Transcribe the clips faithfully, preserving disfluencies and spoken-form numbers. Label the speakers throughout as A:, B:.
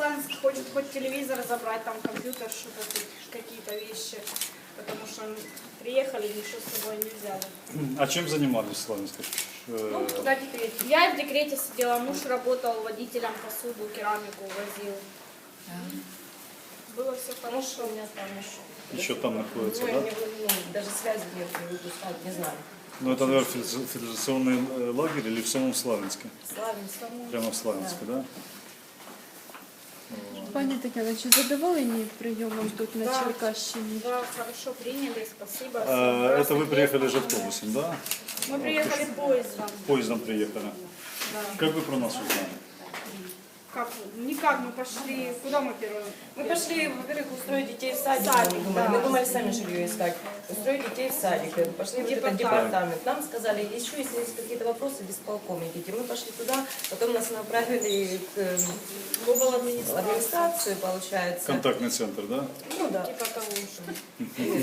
A: Славянск хочет хоть телевизор забрать, там компьютер, что-то, какие-то вещи. Потому что приехали, ничего с собой не взяли.
B: А чем занимались в Славянске?
A: Ну, куда декрет? Я в декрете сидела, муж работал водителем, посуду, керамику возил. Было все хорошо.
C: У меня там еще.
B: Еще там находится,
C: Ну,
B: да?
C: не, ну, даже связи нет, не выпускать, не знаю.
B: Ну это, наверное, федерационный э, лагерь или в самом Славянске?
C: Славянск.
B: Прямо в Славянске, да?
D: Пані Тетяна, чи задоволені прийомом тут на
A: Да.
D: Черкащині?
A: Да, хорошо приняли, спасибо.
B: А, это вы приехали же автобусом, да?
A: Мы приехали поездом.
B: Поездом приехали.
A: Да.
B: Как вы про нас узнали?
A: Как? Никак, мы пошли. Куда мы первым?
C: Мы пошли, во-первых, устроить детей в садик.
A: Садик,
C: мы, думали.
A: да.
C: мы думали сами жилье искать. Устроить детей в садик. Пошли в этот департамент. Нам сказали, еще если есть какие-то вопросы, в исполком идите. Мы пошли туда, потом нас направили к
A: В обладминистрацию.
C: администрацию, получается.
B: Контактный центр, да?
C: Ну да.
A: Типа того же.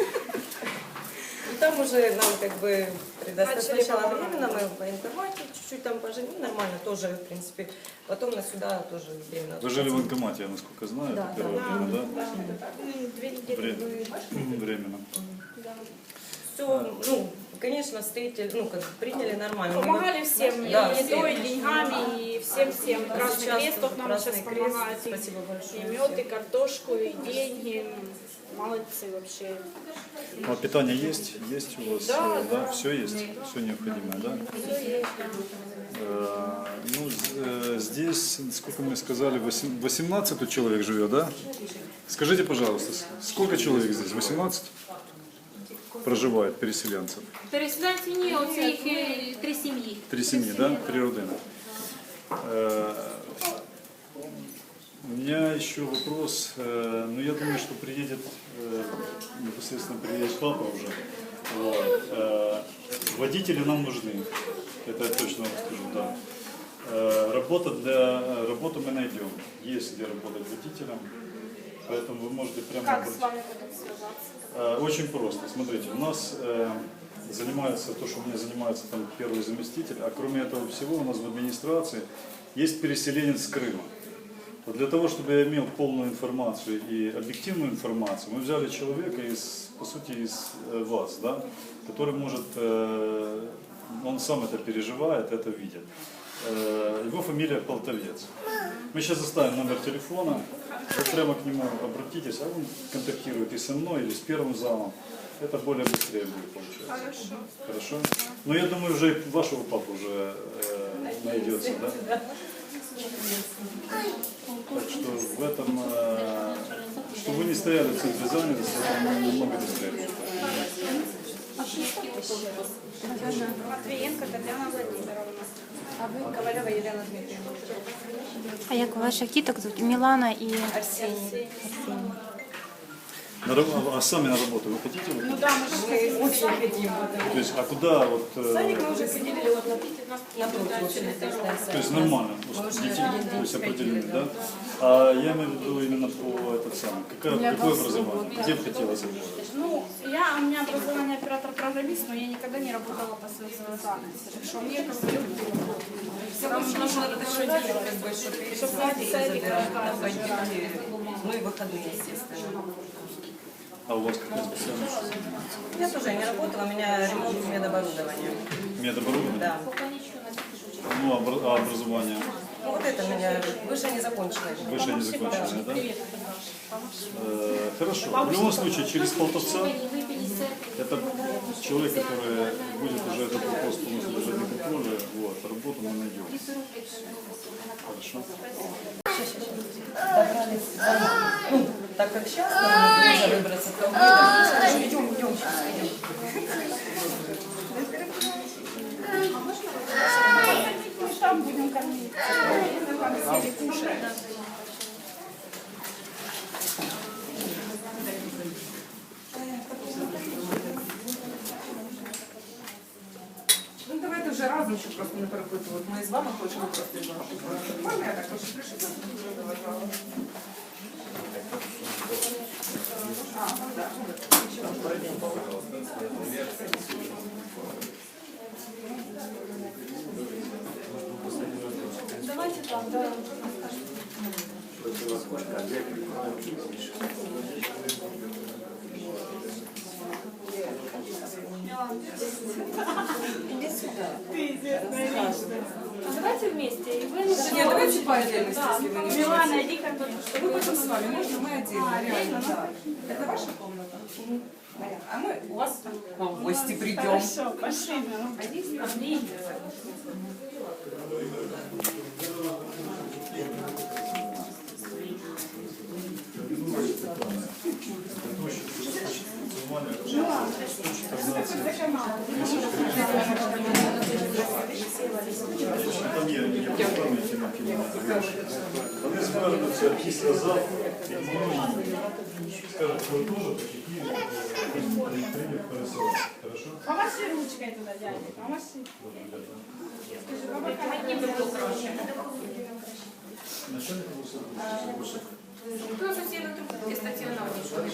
C: И там уже нам как бы предоставили
A: Начали
C: сначала
A: помогать.
C: временно, мы в военкомате чуть-чуть там пожили, нормально тоже, в принципе. Потом нас сюда тоже временно.
B: Вы жили в военкомате, я насколько знаю,
C: Да,
B: это первое
C: да.
B: время, да?
A: Ну, две недели
B: Вре-
A: были.
B: Временно.
A: Да.
C: Все, ну, конечно, встретили, ну, как приняли нормально.
A: Помогали всем,
C: Да,
A: и едой, и
C: всем.
A: деньгами, и всем-всем.
C: Да,
A: Красный
C: сейчас
A: Крест тут нам
C: Красный
A: сейчас
C: Крест,
A: помогает. И-
C: спасибо большое
A: И мед, и картошку, и деньги. Молодцы вообще.
B: А питание есть? Есть у вас?
A: Да,
B: э,
A: да.
B: Все есть? Все необходимое, да?
A: Все есть.
B: Э, Ну, з- э, здесь, сколько мы сказали, восем- восемнадцать тут человек живет, да? Скажите, пожалуйста, с- сколько человек здесь? восемнадцать проживает переселенцев?
E: Переселенці ні, оце їх е, три сім'ї.
B: Три семьи, да? Три родины. Э, У меня еще вопрос. э, Ну, я думаю, что приедет, э, непосредственно приедет папа уже. Вот. Э, Водители нам нужны. Это я точно вам скажу, да. Э, Работа для, работу мы найдем. Есть где работать водителем. Поэтому вы можете прямо...
A: Как
B: обратиться.
A: с вами потом связаться?
B: Э, Очень просто. Смотрите, у нас э, занимается то, что у меня занимается там первый заместитель, а кроме этого всего у нас в администрации есть переселенец с Крыма. Вот для того, чтобы я имел полную информацию и объективную информацию, мы взяли человека из, по сути, из э, вас, да, который может, э, он сам это переживает, это видит. Э, его фамилия Полтовец. Мы сейчас оставим номер телефона, вы прямо к нему обратитесь, а он контактирует и со мной, или с первым замом. Это более быстрее будет получаться.
A: Хорошо.
B: Хорошо? Но я думаю, уже и вашего папу уже э, найдется, да? Так что в этом, э, что вы не стояли в центре занятости, это намного быстрее будет.
A: Матвиенко Татьяна Владимировна.
C: А вы Ковалева Елена Дмитриевна.
F: А як ваших діток звуть? Мілана і
C: Арсений.
B: На раб- а сами на работу вы хотите?
A: Ну
B: выходить?
A: да, мы же
C: Мы очень хотим.
B: То есть, а куда вот... э,
C: Садик мы уже определили вот на, на площади.
B: то есть нормально,
C: Мы уже
B: детей,
C: один
B: то
C: день
B: есть
C: сходили,
B: определены,
C: да.
B: да? А я имею в виду именно по этот самый, какое, какое образование? Где бы хотелось работать?
A: Ну, я, у меня образование оператор-программист, но я никогда не работала по своей специальности. Так что мне как бы все равно нужно это что делать.
C: Как бы, что перед
A: Чтобы
C: садик
A: садик
C: забирать,
A: разбирать.
C: там водители, ну и выходные, естественно.
B: А у вас какая специальность?
C: Я тоже не работала, у меня ремонт медоборудования.
B: Медоборудование?
C: Да.
B: Ну, а обра- а образование?
C: Ну, вот это у меня высшее незаконченное.
B: Высшее незаконченное, да? Э, Хорошо. В любом случае, через полтовца это человек, который будет уже этот вопрос полностью держать на контроле. Вот, работу мы найдем. Хорошо.
C: Добрались за- ну, так как сейчас нам нужно выбраться, то мы так, идем, идем, сейчас идем.
A: Мы там будем кормить. Там сели кушать.
G: Ну давайте вже разом, щоб просто не перепитувати. Ми з вами хочемо просто з вами. Можна я так хочу пришити? А, так.
A: Давайте там, да. А давайте вместе. И вы
G: Нет, давайте по отдельности, если вы не
A: Милана,
G: хотите.
A: иди как бы, чтобы
G: Мы пойдем с вами, можно? Мы отдельно, реально, да. Это ваша комната? А мы у вас в гости придем.
A: Хорошо, пошли. Пошли.
B: Там є, є пам'яті на кіно. Вони звернуться після завтра і можуть, скажуть, ви теж такі прийняти пересилати. Хорошо?
A: Помаши ручкой туда, дядя. Помаши. Скажи, баба, не
B: Начальник обласної.
E: Хто офіційно тут стаціонарні, що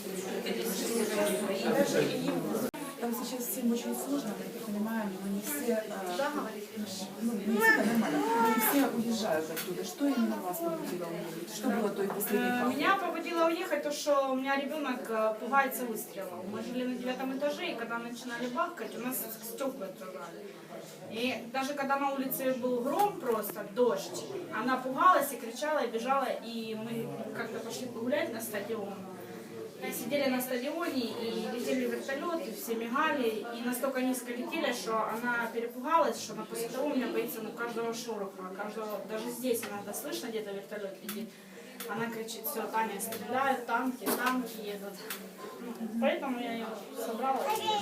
G: Там сейчас всем очень сложно, как я понимаю, но не все, э, ну, не все это нормально, не все уезжают оттуда. Что именно вас побудило уехать? Что было той последней
A: Э,
G: фазой?
A: Меня побудило уехать то, что у меня ребенок э, пугается выстрелов. Мы жили на девятом этаже, и когда начинали бахкать, у нас стекла открывали. И даже когда на улице был гром, просто дождь, она пугалась и кричала, и бежала, и мы как-то пошли погулять на стадион. И сидели на стадионе, и летели вертолеты, все мигали, и настолько низко летели, что она перепугалась, что она после того у меня боится ну, каждого шороха, каждого, даже здесь иногда слышно, где-то вертолет летит. Она кричит: все, Таня, стреляют, танки, танки едут. Ну, поэтому я ее собрала.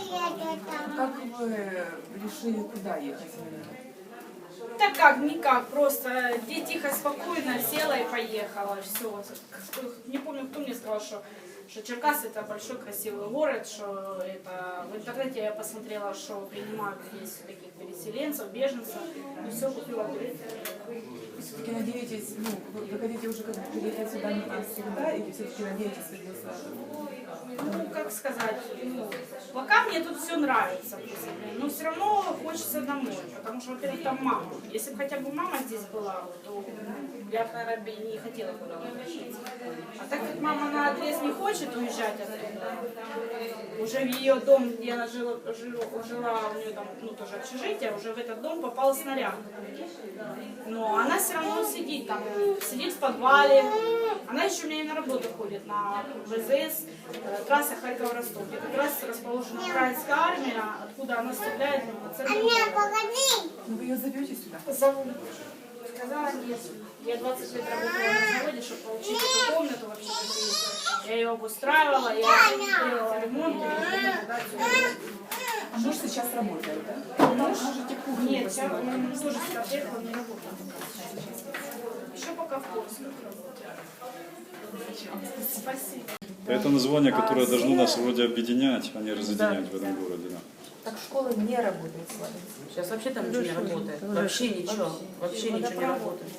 G: Как вы решили, куда ехать?
A: Так как, никак, просто где тихо, спокойно села и поехала, все. Не помню, кто мне сказал, что, что Черкас это большой красивый город, что это в интернете я посмотрела, что принимают здесь таких переселенцев, беженцев, и все, купила билет.
G: Вы все-таки надеетесь, ну, вы, вы хотите уже как бы приехать сюда навсегда, или все-таки надеетесь вернуться?
A: Ну, как сказать, ну, пока мне тут все нравится, в принципе, но все равно хочется домой, потому что, во-первых, там мама. Если бы хотя бы мама здесь была, то я бы, наверное, не хотела куда возвращаться. А так как мама на отрез не хочет уезжать оттуда, уже в ее дом, где она жила, жила, жила у нее там, ну, тоже общежитие, уже в этот дом попал снаряд. Но она все равно сидит там, сидит в подвале. Она еще у меня и на работу ходит, на ВЗС, э, трасса Харьков-Ростов, где как раз расположена украинская армия, откуда она стреляет на центр города.
G: Ну, вы ее зовете сюда?
A: Зову. Сказала нет. Я двадцать лет работала на заводе, чтобы получить эту комнату вообще. Я ее обустраивала, я делала ремонт, и потом дать её.
G: А муж сейчас работает, да?
A: Муж? Нет, сейчас он тоже сюда приехал, не работает. Еще пока в поисках работает. Спасибо.
B: Это название, которое должно нас вроде объединять, а не разъединять в этом городе. Да.
C: Так школа не работает с вами.
H: Сейчас вообще там ничего не работает. Вообще ничего. Вообще ничего не работает.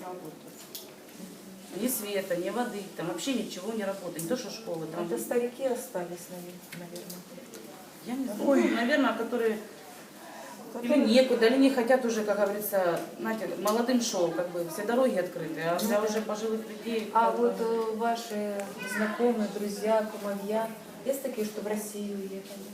H: Ни света, ни воды, там вообще ничего не работает. Не то, что школы. Там...
C: Это старики остались, наверное.
H: Я не знаю. Ой. Наверное, которые или некуда, или не хотят уже, как говорится, знаете, молодым шоу, как бы все дороги открыты, а для уже пожилых людей.
C: А вот э, ваши знакомые, друзья, кумовья, есть такие, что в Россию уехали?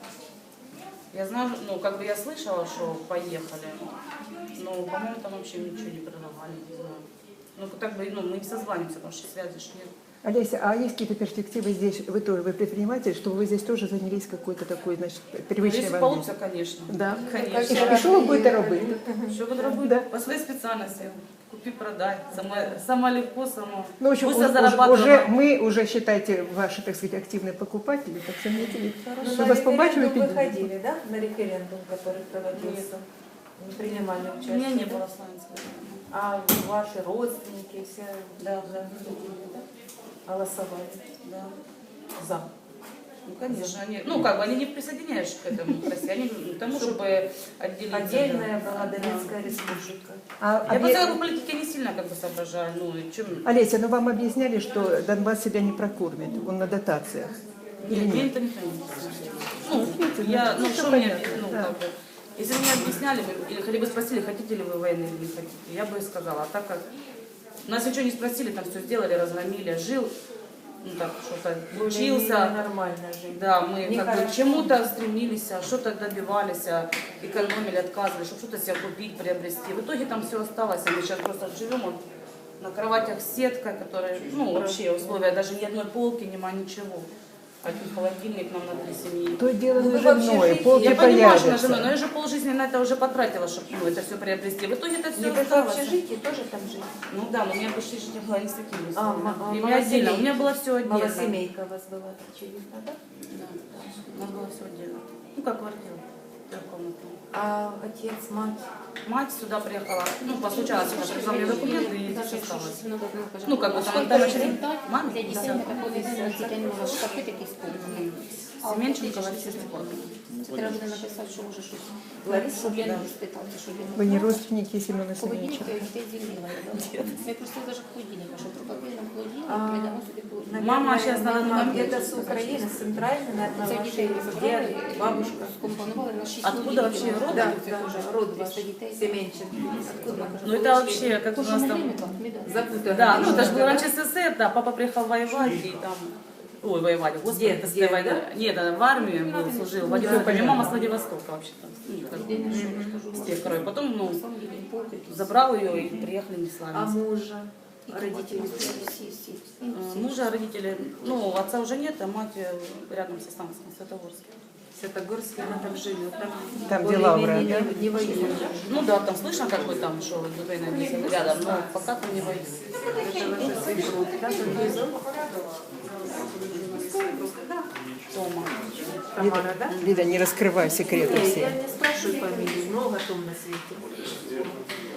H: Я знаю, ну, как бы я слышала, что поехали, но, по-моему, там вообще ничего не предлагали, не знаю. Ну, так бы, ну, мы не созванимся, потому что связи ж нет.
I: Олеся, а есть какие-то перспективы здесь? Вы тоже, вы предприниматель, чтобы вы здесь тоже занялись какой-то такой, значит, привычной
H: Якщо
I: вам
H: вийде, звісно.
I: Да.
H: Конечно.
I: І що ви будете робити?
H: Що буду робити? По своїй спеціальності. Купи, продай. Сама, сама легко, сама.
I: Ну, в общем,
H: Пусть
I: уже,
H: я зарабатываю.
I: уже, мы уже, считайте, ваши, так сказать, активные покупатели, так что не
C: Ну,
I: Что
C: на
I: вас побачили,
C: референдум вы
I: підійдете.
C: ходили, да? На референдум, который проводился? Не принимали
H: У
C: участие?
H: меня не
C: да?
H: было славянского.
C: А ваши родственники все
H: Да, да.
C: ходили, да? Голосовали?
H: Да.
C: За.
H: Ну, конечно, они, ну, как бы, они не присоединяются к этому, к России, они к тому, чтобы отделить.
C: Отдельная была Донецкая республика.
I: А,
H: Я
I: объ-
H: по целой политике не сильно как бы соображаю, ну, и чем...
I: Олеся, ну вам объясняли, что Донбасс себя не прокормит, он на дотациях? Или
H: Нет, мне
I: нет?
H: это никто не объяснял. Ну, я, ну,
I: ну,
H: что
I: всё
H: мне,
I: понятно,
H: ну,
I: да.
H: как бы, если бы мне объясняли, бы, или хотя бы спросили, хотите ли вы войны или не хотите, я бы и сказала, а так как Нас ничего не спросили, там все сделали, разгромили. Жил, ну так, что-то учился.
C: Нормально жить.
H: Да, мы
C: Не
H: как бы
C: хорошо.
H: к чему-то стремились, а что-то добивались, а экономили, отказывали, чтобы что-то себе купить, приобрести. В итоге там все осталось, а мы сейчас просто живем вот на кроватях с сеткой, которая, ну, вообще условия, даже ни одной полки, нема ничего. Один холодильник нам на три семьи.
I: То дело
C: Ну,
I: на
C: вы вообще
I: женой,
C: жить-
I: полки
H: Я понимаю, что на
I: появятся.
H: жену, но я же полжизни на это уже потратила, чтобы ну, это все приобрести. В итоге это все
C: Нет, это
H: осталось.
C: в общежитии тоже там жить.
H: Ну да, но у меня больше не было не с такими
C: А,
H: условиями.
C: ма- а,
H: И у меня отдельно, у
C: малосемейка.
H: меня было все отдельно.
C: Малосемейка у вас была, очевидно, да?
H: Да, у нас было все отдельно. Ну как квартира, трехкомнатная.
C: А отец, мать?
H: Мать сюда приехала, ну, постучалась, она привезла мне документы и здесь осталась.
F: Ну,
H: Ну, как бы там это начали. Маме?
F: для дітей не такої дітей не може шкафи такі спокійні.
H: Семенченко Лариса Степановна.
F: Це треба буде написати, що може щось.
C: Лариса,
F: Щоб я
C: да.
F: не спитати, щоб я
I: Вы не родственники Семена
F: Холодильник
I: Семеновича?
F: я дітей звільнила. Я просто навіть холодильник, що пропагандом холодильник,
C: А,
F: прийдемо собі холодильник.
H: Мама сейчас, наверное,
C: где-то с Украины, с центральной, наверное,
F: Це
C: ваши
F: дітей
C: дед, бабушка.
F: скомпонували на шість
H: Откуда
F: холодильників.
H: вообще род?
C: Да,
F: Це
C: да,
F: вже
C: род ваш,
F: триста дітей.
C: Семенченко.
F: Откуда?
H: Ну это вообще, как у нас там...
C: Запутанно.
H: Да, ну это же было раньше СССР, да, папа приехал воевать и там... Ой, воевать, господи,
C: Дед,
H: это с
C: дед,
H: той войны.
C: да?
H: Нет, она в армии был, служил, в Владивостоке. Мама с Владивостока вообще-то. Ну, как бы, с тех крой. Потом, ну, забрал ее и приехали не с
C: А
H: нами.
C: мужа? Родители?
H: Э, Мужа, родители, ну, отца уже нет, а мать э, рядом со станцией, в Святогорске.
C: Святогорске, она там живет. Там,
I: Там где Лавра,
C: более-менее
I: да?
C: не, не воюет.
H: Ну да, там слышно, как бы там, что Дубей написано рядом, но пока там не воюет.
C: Это ваша свекровь, да, там ее зовут?
H: Тома.
C: Тамара, да?
I: Лида, не раскрывай секреты
C: Нет,
I: все.
C: я не спрашиваю фамилию, много том на свете.